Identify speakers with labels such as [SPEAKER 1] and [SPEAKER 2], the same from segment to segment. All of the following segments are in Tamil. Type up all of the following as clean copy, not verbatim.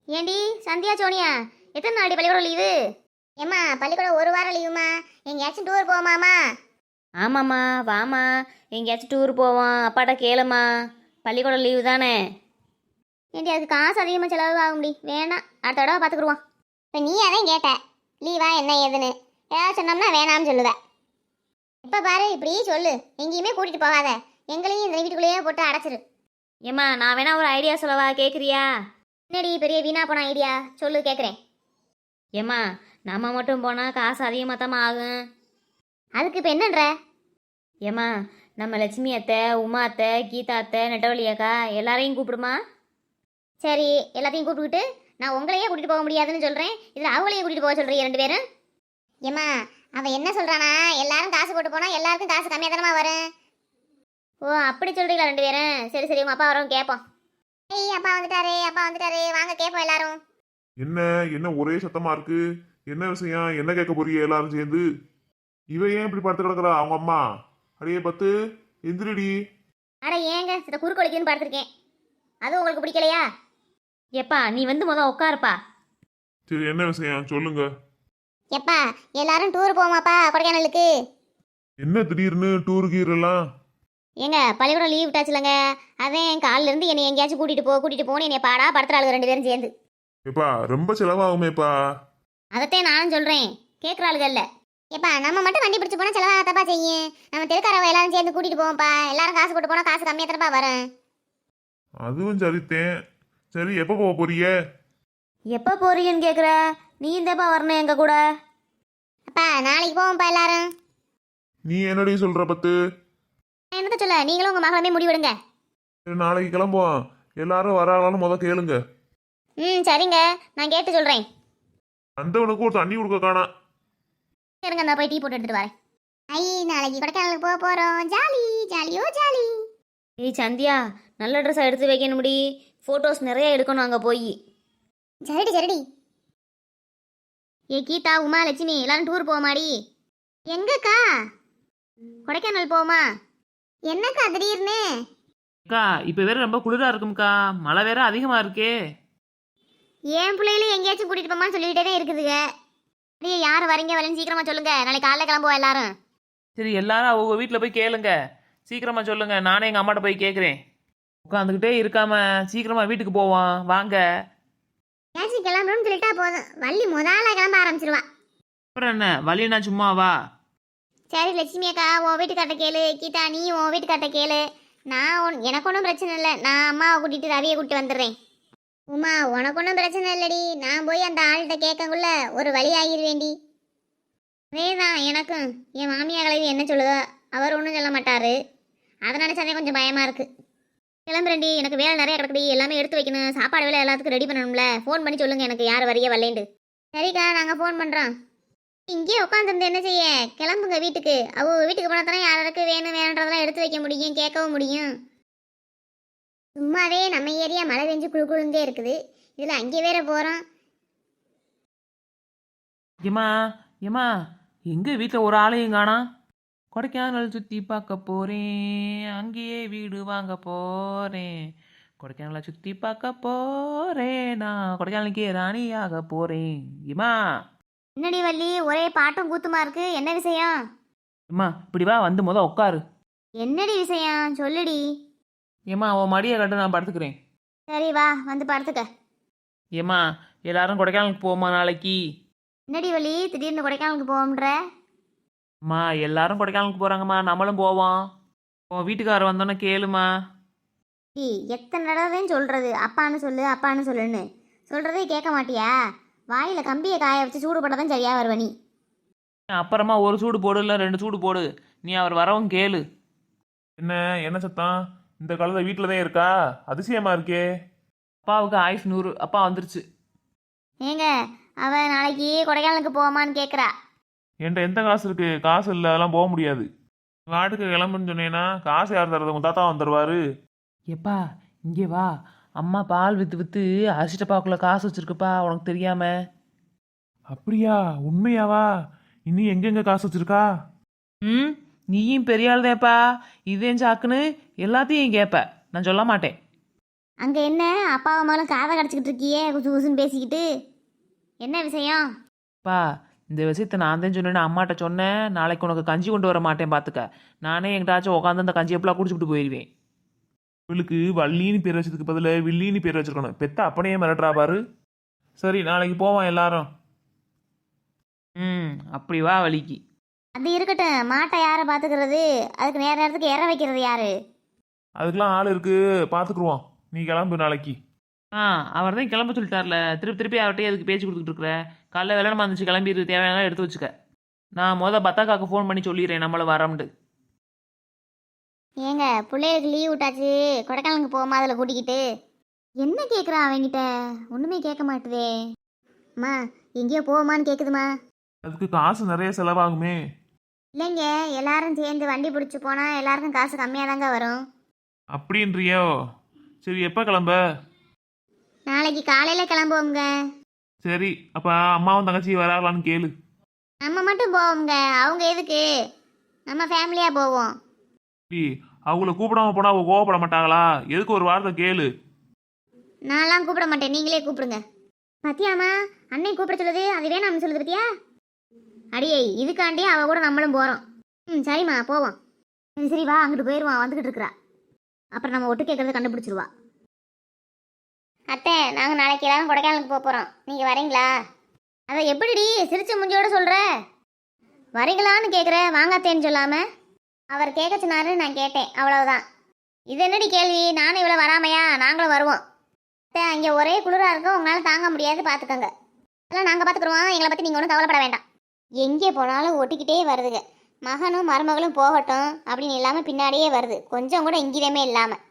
[SPEAKER 1] ஏண்டி சந்தியா சோனியா எத்தனை நாள் பள்ளிக்கூடம் லீவு? ஏம்மா பள்ளிக்கூடம் ஒரு வாரம் லீவுமா. எங்கேயாச்சும் டூர் போமாமா?
[SPEAKER 2] ஆமாம்மா வாமா, எங்கேயாச்சும் டூர் போவோம். அப்பாட்ட கேளுமா, பள்ளிக்கூடம் லீவு தானே.
[SPEAKER 1] ஏண்டி அதுக்கு காசு அதிகமாக செலவு ஆக முடியும், வேணாம் அடுத்த தடவை பார்த்துக்குருவோம். இப்போ நீ அதான் கேட்ட லீவா என்ன ஏதுன்னு, ஏதாவது சொன்னோம்னா வேணாம்னு சொல்லுவேன். இப்போ பாரு இப்படி சொல்லு, எங்கேயுமே கூட்டிகிட்டு போகாத, எங்களையும் இந்த வீட்டுக்குள்ளேயே போட்டு அடைச்சிரு.
[SPEAKER 2] ஏம்மா நான் வேணா ஒரு ஐடியா சொல்லவா, கேட்குறியா?
[SPEAKER 1] என்னடி பெரிய வீணா போன ஐடியா, சொல்லு கேட்குறேன்.
[SPEAKER 2] ஏம்மா நம்ம மட்டும் போனால் காசு அதிகமாக தான் ஆகும்.
[SPEAKER 1] அதுக்கு இப்போ என்னன்ற?
[SPEAKER 2] ஏம்மா நம்ம லட்சுமி அத்தை, உமா அத்தை, கீதா அத்தை, நெட்டவழி அக்கா எல்லாரையும் கூப்பிடுமா.
[SPEAKER 1] சரி எல்லாத்தையும் கூப்பிட்டுக்கிட்டு நான் உங்களையே கூட்டிகிட்டு போக முடியாதுன்னு சொல்கிறேன், இதில் அவங்களையும் கூட்டிகிட்டு போக சொல்கிறீங்க ரெண்டு பேரும். ஏம்மா அவன் என்ன சொல்கிறானா, எல்லாரும் காசு போட்டு போனால் எல்லாருக்கும் காசு கம்மியாக தானமா வரும். ஓ அப்படி சொல்கிறீங்களா ரெண்டு பேரும்? சரி சரி உங்கள் அப்பா வரவும் கேட்போம். ஏய் அப்பா வந்துட்டாரே, அப்பா வந்துட்டாரே, வாங்க கேட்போம் எல்லாரும்.
[SPEAKER 3] என்ன என்ன ஒரே சத்தமா இருக்கு? என்ன விஷயம்? என்ன கேட்க போறீங்க எல்லாரும் சேர்ந்து? இவ ஏன் இப்படி படுத்து கிடக்குறா? அவங்க அம்மா அடியே பத்து எந்திரிடி.
[SPEAKER 1] அட ஏங்க சில குறுக்கொழிக்குன்னு பார்த்துருக்கேன், அது உங்களுக்கு பிடிக்கலையா?
[SPEAKER 2] எப்பா நீ வந்து உட்காருப்பா.
[SPEAKER 3] சரி என்ன விஷயம் சொல்லுங்க.
[SPEAKER 1] எப்பா எல்லாரும் டூர் போமாப்பா கொடைக்கானலுக்கு.
[SPEAKER 3] என்ன திடீர்னு டூர் கீர் எல்லாம்?
[SPEAKER 1] ஏங்க பள்ளிக்கூடம் லீவ் விட்டாச்சுலங்க, அதான் காலில இருந்து என்னை எங்கேயாச்சும் கூட்டிட்டு போன்னு என்னை பாடா படுத்துறாளுங்க ரெண்டு பேரும் சேர்ந்து.
[SPEAKER 3] ஏப்பா ரொம்ப செலவாகுமேப்பா.
[SPEAKER 1] அதத்தான் நானும் சொல்றேன், கேட்குறாளுகல்ல. ஏப்பா நம்ம மட்டும் வண்டி பிடிச்சி போனால் செலவாகத்தப்பா செய்யும், நம்ம தெருக்காரவ எல்லாரும் சேர்ந்து கூட்டிட்டு போவோம்ப்பா, எல்லாரும் காசு போட்டு போனால் காசு கம்மியாக தானப்பா வரும்.
[SPEAKER 3] அதுவும் சரித்தேன். சரி எப்போ போக போறீங்க?
[SPEAKER 2] எப்போ போறீங்கன்னு கேட்குற, நீ இந்தப்பா வரணும் எங்க கூட.
[SPEAKER 1] அப்பா நாளைக்கு போவோம்ப்பா எல்லாரும்.
[SPEAKER 3] நீ என்னடி சொல்ற பத்து?
[SPEAKER 1] என்னத்த சொல்ல, நீங்களும் உங்கள் மகளுமே முடிவெடுங்க.
[SPEAKER 3] சரி நாளைக்கு கிளம்புவோம். எல்லாரும் வராங்களான்னு முத கேளுங்க.
[SPEAKER 1] ம் சரிங்க, நான் கேட்டு சொல்கிறேன்.
[SPEAKER 3] அந்தவனுக்கு ஒரு தண்ணி கொடுக்க காணா.
[SPEAKER 1] இருங்க நான் போய் டீ போட்டு எடுத்துட்டு வரேன். ஐ நாளைக்கு கொடைக்கானலுக்கு போக போகிறோம், ஜாலி ஜாலியோ ஜாலி.
[SPEAKER 2] ஏய் சந்தியா, நல்ல ட்ரெஸ்ஸாக எடுத்து வைக்கணும் முடி, ஃபோட்டோஸ் நிறைய எடுக்கணும் அங்கே போய்.
[SPEAKER 1] சரிடி சரிடி. ஏ கீதா உமா லட்சுமி எல்லாரும் டூர் போமாடி. எங்கக்கா? கொடைக்கானல் போமா? என்னக்கா திடீர்னு?
[SPEAKER 4] அக்கா இப்போ வேற ரொம்ப குளிரா இருக்கும்க்கா, மழை வேற அதிகமா இருக்கே.
[SPEAKER 1] என் பிள்ளைகளும் எங்கேயாச்சும் கூட்டிட்டு போமான்னு சொல்லிக்கிட்டே தான் இருக்குதுங்க. அப்படியே யார் வரீங்க வரேன்னு சீக்கிரமா சொல்லுங்க, நாளைக்கு காலைல கிளம்புவோம் எல்லாரும்.
[SPEAKER 4] சரி எல்லாரும் அவங்க வீட்டில் போய் கேளுங்க, சீக்கிரமா சொல்லுங்க. நானே எங்கள் அம்மாட்ட போய் கேட்குறேன். உட்காந்துக்கிட்டே இருக்காம சீக்கிரமா வீட்டுக்கு போவோம் வாங்க.
[SPEAKER 1] ஏதாச்சும் கிளம்பணும்னு சொல்லிட்டா போதும், வள்ளி முதல்ல கிளம்ப ஆரம்பிச்சிருவா.
[SPEAKER 4] அப்புறம் என்ன வழினா சும்மாவா?
[SPEAKER 1] சரி லட்சுமி அக்கா உன் வீட்டுக்காட்ட கேளு, கீதா நீ உன் வீட்டுக்காட்ட கேளு. எனக்கு ஒன்றும் பிரச்சனை இல்லை, நான் அம்மாவை கூட்டிட்டு ரவியை கூட்டிட்டு வந்துடுறேன். உமா உனக்கு ஒன்றும் பிரச்சனை இல்லடி, நான் போய் அந்த ஆள்கிட்ட கேட்கக்குள்ள ஒரு வழி ஆகிருவேண்டி. அதேதான் எனக்கும், என் மாமியா கலவி என்ன சொல்லுதோ அவர் ஒன்றும் சொல்ல மாட்டாரு, அதை நினச்சாதே கொஞ்சம் பயமாக இருக்கு. கிளம்புறேன்டி, எனக்கு வேலை நிறைய கிடக்குடி, எல்லாமே எடுத்து வைக்கணும், சாப்பாடு வேலை எல்லாத்துக்கும் ரெடி பண்ணணும்ல. ஃபோன் பண்ணி சொல்லுங்கள் எனக்கு யார் வரைய வரலேண்டு. சரிக்கா நாங்கள் ஃபோன் பண்ணுறோம். இங்கேயே உட்காந்துருந்து என்ன செய்ய, கிளம்புங்க வீட்டுக்கு. வீட்டுக்கு போனால் தானே யாருக்கு வேணும் வேணுன்றதெல்லாம் எடுத்து வைக்க முடியும், கேட்கவும் முடியும். சும்மாவே நம்ம ஏரியா மழை பெஞ்சு குழு குழுந்தே இருக்குது, இதில் அங்கே வேற போகிறோம்.
[SPEAKER 4] ஏமா ஏமா எங்க வீட்டில் ஒரு ஆளையும் காணா. கொடைக்கானல் சுற்றி பார்க்க போகிறேன், அங்கேயே வீடு வாங்க போகிறேன். கொடைக்கானலை சுற்றி பார்க்க போகிறேன், நான் கொடைக்கானலுக்கே ராணியாக போகிறேன். ஏமா
[SPEAKER 1] என்னடி வள்ளி ஒரே பாட்டும் கூத்துமா இருக்கு, என்ன விஷயம்?
[SPEAKER 4] ஏம்மா இப்படி வா, வந்து முத உட்காரு.
[SPEAKER 1] என்னடி விஷயம் சொல்லுடி.
[SPEAKER 4] ஏம்மா உன் மடியை கட்டு, நான் படுத்துக்கிறேன்.
[SPEAKER 1] சரி வா வந்து படுத்துக்க.
[SPEAKER 4] ஏம்மா எல்லாரும் கொடைக்கானலுக்கு போமா நாளைக்கு.
[SPEAKER 1] என்னடி வள்ளி திடீர்னு கொடைக்கானலுக்கு போவோம்ன்ற?
[SPEAKER 4] அம்மா எல்லாரும் கொடைக்கானலுக்கு போகிறாங்கம்மா, நம்மளும் போவோம். உன் வீட்டுக்காரர் வந்தோன்னே கேளுமா.
[SPEAKER 1] டி எத்தனை தடவை சொல்கிறது அப்பான்னு சொல்லு அப்பான்னு சொல்லுன்னு, சொல்கிறதே கேட்க மாட்டியா? வாயில் கம்பியை காய வச்சு சூடு போட்டால் தான் சரியாக வருவ நீ.
[SPEAKER 4] அப்புறமா ஒரு சூடு போடு, இல்லை 2 சூடு போடு, நீ அவர் வரவும் கேளு.
[SPEAKER 3] என்ன என்ன சத்தம்? இந்த காலத்துல வீட்டில் தான் இருக்கா? அதிசயமா இருக்கே.
[SPEAKER 4] அப்பாவுக்கு ஆயுஷ் 100, அப்பா வந்துருச்சு.
[SPEAKER 1] ஏங்க அவன் நாளைக்கு கொடைக்கானலுக்கு போவாமான்னு கேட்குறா.
[SPEAKER 3] என்கிட்ட எந்த காசு இருக்கு? காசு இல்லை, அதெல்லாம் போக முடியாது. வாட்டுக்கு கிளம்புன்னு சொன்னேன்னா காசு யார் தர்றது? உங்க தாத்தா வந்துடுவாரு.
[SPEAKER 4] எப்பா இங்கே வா, அம்மா பால் விற்று விற்று அரிசிட்டப்பாக்குள்ள காசு வச்சிருக்குப்பா, உனக்கு தெரியாம.
[SPEAKER 3] அப்படியா? உண்மையாவா? இனி எங்கெங்க காசு வச்சிருக்கா?
[SPEAKER 4] ம் நீயும் பெரிய ஆள் தான்ப்பா, இதேன் சாக்குன்னு எல்லாத்தையும் கேட்ப, நான் சொல்ல மாட்டேன்.
[SPEAKER 1] அங்கே என்ன அப்பாவை மேலும் காதை கடிச்சிக்கிட்டு இருக்கியே குசு குசுன்னு பேசிக்கிட்டு என்ன விஷயம்?
[SPEAKER 4] பா இந்த விஷயத்த நான் தான் சொன்னேன்னு அம்மாட்ட சொன்னேன். நாளைக்கு உனக்கு கஞ்சி கொண்டு வர மாட்டேன் பார்த்துக்க. நானே எங்கிட்டாச்சும் உட்காந்து அந்த கஞ்சி எப்பலாம் குடிச்சுட்டு போயிடுவேன். இவளுக்கு வள்ளின்னு பேர் வச்சதுக்கு பதிலாக வில்லின்னு பேர் வச்சிருக்கணும். பெத்த அப்படியே மிரட்டுறா பாரு. சரி நாளைக்கு போவான் எல்லாரும். அப்படி வா வலிக்கு.
[SPEAKER 1] அது இருக்கட்டும், மாட்டை யாரை பார்த்துக்கிறது? அதுக்கு நேரத்துக்கு இற வைக்கிறது யாரு?
[SPEAKER 3] அதுக்கெல்லாம் ஆள் இருக்கு, பார்த்துக்குருவோம். நீ கிளம்பு நாளைக்கு.
[SPEAKER 4] அவர் தான் கிளம்ப சொல்லிட்டார்ல. திருப்பி அவர்கிட்டயே அதுக்கு பேச்சு கொடுத்துட்டு இருக்கிற. காலைல வேலைமா இருந்துச்சு, கிளம்பிடு, தேவையான எடுத்து வச்சுக்க. நான் பத்தாக்காக்கு ஃபோன் பண்ணி சொல்லிடுறேன் நம்மள வரோம்ண்டு.
[SPEAKER 1] ஏங்க பிள்ளைகளுக்கு லீவ் விட்டாச்சு, கொடைக்கானலுக்கு போமா அதில் கூட்டிக்கிட்டு. என்ன கேட்குறா அவங்கிட்ட? ஒன்றுமே கேட்க மாட்டுதே. அம்மா எங்கேயோ போவோமான்னு கேட்குதுமா.
[SPEAKER 3] அதுக்கு காசு நிறைய செலவாகுமே.
[SPEAKER 1] இல்லைங்க, எல்லாரும் சேர்ந்து வண்டி பிடிச்சி போனால் எல்லாருக்கும் காசு கம்மியாக தாங்க வரும்.
[SPEAKER 3] அப்படின்றியோ? சரி எப்போ கிளம்ப?
[SPEAKER 1] நாளைக்கு காலையில் கிளம்புவோங்க.
[SPEAKER 3] சரி அப்போ அம்மாவும் தங்கச்சி வராங்களான்னு கேளு.
[SPEAKER 1] நம்ம மட்டும் போவோங்க, அவங்க எதுக்கு? நம்ம ஃபேமிலியாக போவோம்.
[SPEAKER 3] அவங்கள கூப்பிடாம போனால் அவங்க கோவப்பட மாட்டாங்களா? எதுக்கு ஒரு வார்த்தை கேளு.
[SPEAKER 1] நான்லாம் கூப்பிட மாட்டேன், நீங்களே கூப்பிடுங்க. பத்தியாமா அன்னை கூப்பிட சொல்லுது, அது வேணாம்னு சொல்லுது பத்தியா? அடியே இதுக்காண்டி அவ கூட நம்மளும் போகிறோம். சரிம்மா போவோம். சரி வா, அங்கிட்டு போயிடுவான், வந்துக்கிட்டு இருக்கிறா. அப்புறம் நம்ம ஒட்டு கேட்கறத கண்டுபிடிச்சிருவா. அத்தை நாங்கள் நாளைக்கு எல்லாரும் கொடைக்கானலுக்கு போகிறோம், நீங்கள் வரீங்களா? அதை எப்படிடி சிரிச்ச முஞ்சியோட சொல்கிற? வரீங்களான்னு கேட்குற, வாங்காத்தேன்னு சொல்லாமல். அவர் கேட்க சொன்னாரு, நான் கேட்டேன், அவ்வளவுதான். இது என்னடி கேள்வி? நானும் இவ்வளோ வராமையா? நாங்களும் வருவோம். அத்தை அங்கே ஒரே குளிராக இருக்கும், உங்களால் தாங்க முடியாது, பார்த்துக்கோங்க. அதெல்லாம் நாங்கள் பார்த்துக்குருவோம், எங்களை பற்றி நீங்கள் ஒன்றும் கவலைப்பட வேண்டாம். எங்கே போனாலும் ஒட்டிக்கிட்டே வருதுங்க. மகனும் மருமகளும் போகட்டும் அப்படின்னு இல்லாமல் பின்னாடியே வருது, கொஞ்சம் கூட இங்கிதமே இல்லாமல்.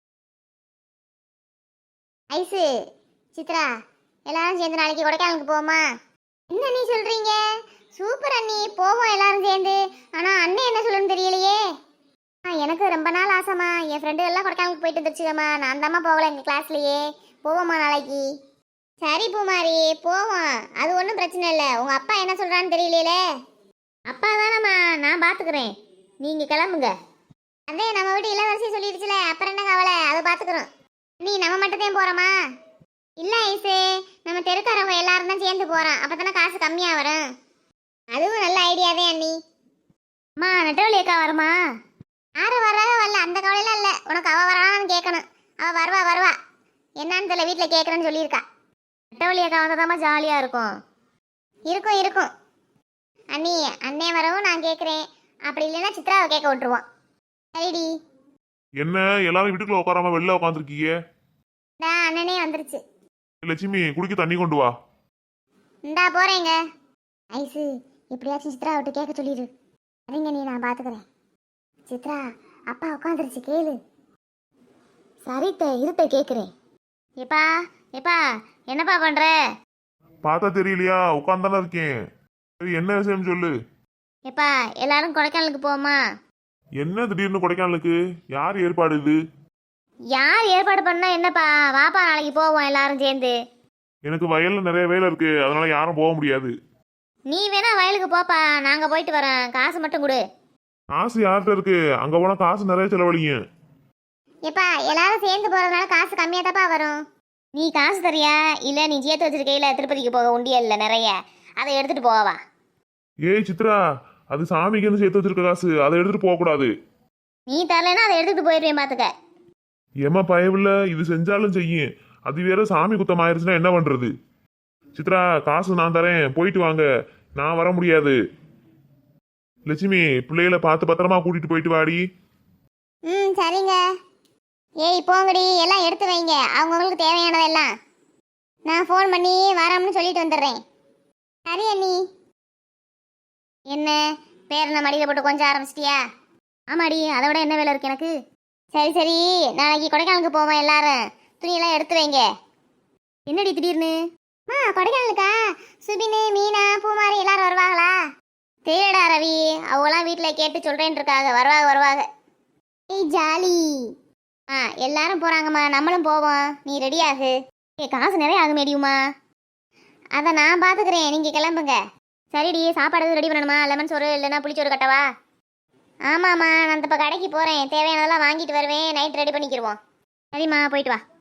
[SPEAKER 1] ஐசு சித்ரா எல்லாரும் சேர்ந்து நாளைக்கு கொடைக்கானலுக்கு போமா? என்ன நீ சொல்றீங்க? சூப்பர் அண்ணி, போவோம் எல்லாரும் சேர்ந்து. ஆனால் அண்ணன் என்ன சொல்லுன்னு தெரியலையே. எனக்கு ரொம்ப நாள் ஆசைம்மா, என் ஃப்ரெண்டு எல்லாம் கொடைக்கானலுக்கு போயிட்டு வந்துருச்சுக்கம்மா. நான் தாம்மா போகல எங்கள் கிளாஸ்லையே. போவோம்மா நாளைக்கு. சரி பூமாரி போவோம், அது ஒன்றும் பிரச்சனை இல்லை. உங்கள் அப்பா என்ன சொல்கிறான்னு தெரியலையே. அப்பா தானம்மா, நான் பார்த்துக்கிறேன், நீங்கள் கிளம்புங்க. அதே நம்ம வீட்டு இளவரசி சொல்லிடுச்சுல, அப்புறம் என்ன கவலை, அதை பார்த்துக்குறோம். நீ நம்ம மட்டும்தான் போகிறோமா? இல்லை ஐசு, நம்ம தெருக்காரவங்க எல்லாரும் தான் சேர்ந்து போகிறோம், அப்போ தானே காசு கம்மியாக வரும். அதுவும் நல்ல ஐடியாவே அண்ணி. அம்மா நெட்டவழி அக்கா வருமா? யாரும் வராத வரல, அந்த கவலையெல்லாம் இல்லை. உனக்கு அவள் வரான்னு கேட்கணும். அவள் வருவா. என்னான்னு தெரியல, வீட்டில் கேட்குறேன்னு சொல்லியிருக்கா. நெட்டவழி அக்கா வந்தால் ஜாலியாக இருக்கும். இருக்கும் அண்ணி, அண்ணே வரவும் நான் கேட்குறேன். அப்படி இல்லைன்னா சித்ராவை கேட்க விட்டுருவோம். சரிடி.
[SPEAKER 3] என்ன எல்லாரும் வீட்டுக்குள்ள உட்காராம வெளில உட்காந்துருக்கீங்க?
[SPEAKER 1] அண்ணனே வந்துருச்சு.
[SPEAKER 3] லட்சுமி குடிக்க தண்ணி கொண்டு வா.
[SPEAKER 1] இந்தா போறேங்க. ஐசு எப்படியாச்சும் சித்ரா விட்டு கேட்க சொல்லிடு. சரிங்க நீ, நான் பார்த்துக்கிறேன். சித்ரா அப்பா உட்காந்துருச்சு, கேளு. சரித்த இருத்த கேட்குறேன். எப்பா என்னப்பா பண்ற?
[SPEAKER 3] பார்த்தா தெரியலையா? உட்காந்தானே இருக்கேன். சரி என்ன விஷயம் சொல்லு.
[SPEAKER 1] எப்பா எல்லாரும் கொடைக்கானலுக்கு போமா?
[SPEAKER 3] என்ன திடீர்னு கொடைக்கானலுக்கு? யார் ஏற்பாடு இது?
[SPEAKER 1] யார் ஏற்பாடு பண்ணா என்னப்பா? வாப்பா நாளைக்கு போவோம் எல்லாரும் சேர்ந்து.
[SPEAKER 3] எனக்கு வயல்ல நிறைய வேலை இருக்கு, அதனால யாரும் போக முடியாது.
[SPEAKER 1] நீ வேணா வயலுக்கு போப்பா, நாங்க போயிட்டு வரோம். காசு மட்டும் கொடு.
[SPEAKER 3] காசு யார்கிட்ட இருக்கு? அங்க போனா காசு நிறைய செலவழிங்க.
[SPEAKER 1] எப்பா எல்லாரும் சேர்ந்து போறதுனால காசு கம்மியா தாப்பா வரும். நீ காசு தரியா இல்ல நீ சேர்த்து வச்சிருக்கையில திருப்பதிக்கு போக உண்டியல்ல நிறைய, அதை எடுத்துட்டு போவா.
[SPEAKER 3] ஏய் சித்ரா, அது சாமிக்குன்னு சேர்த்து வச்சிருக்க காசு, அதை எடுத்துட்டு போக கூடாது.
[SPEAKER 1] நீ தரலன்னா அதை எடுத்துட்டு போயிருவேன் பாத்துக்க.
[SPEAKER 3] ஏமா பயவில்ல, இது செஞ்சாலும் செய்யும், அது வேற சாமி குத்தம் ஆயிருச்சுன்னா என்ன பண்றது? சித்ரா காசு நான் தரேன், போயிட்டு வாங்க, நான் வர முடியாது. லட்சுமி பிள்ளைகளை பார்த்து பத்திரமா கூட்டிட்டு போயிட்டு வாடி.
[SPEAKER 1] சரிங்க. ஏய் போங்கடி, எல்லாம் எடுத்து வைங்க, அவங்கவுங்களுக்கு தேவையானதெல்லாம். நான் ஃபோன் பண்ணி வரோம்னு சொல்லிட்டு வந்துடுறேன். சரி அண்ணி. என்ன பேரனை மடியில் போட்டு கொஞ்சம் ஆரம்பிச்சிட்டியா? ஆமாடி, அதை விட என்ன வேலை இருக்கு எனக்கு? சரி நாளைக்கு கொடைக்கானலுக்கு போவோம் எல்லாரும். துணியெல்லாம் எடுத்து வைங்க. என்னடி திடீர்னு? கொடைக்கானலுக்கா? சுபினு மீனா பூமாரி எல்லாரும் வருவாங்களா? தெரியடா ரவி, அவங்களாம் வீட்டில் கேட்டு சொல்கிறேன்னு இருக்காங்க. வருவாங்க. ஏய் ஜாலி. எல்லாரும் போகிறாங்கம்மா, நம்மளும் போவோம். நீ ரெடி ஆகு. காசு நிறைய ஆகும் மேடியுமா? அதை நான் பார்த்துக்கிறேன், நீங்கள் கிளம்புங்க. சரிடி, சாப்பாடு ரெடி பண்ணணுமா? லெமன் சோறு இல்லைன்னா புளிச்சோறு கட்டவா? ஆமாம்மா, நான் இப்போ கடைக்கு போகிறேன், தேவையானதெல்லாம் வாங்கிட்டு வருவேன். நைட் ரெடி பண்ணிக்கிடுவோம். சரிம்மா போயிட்டு வா.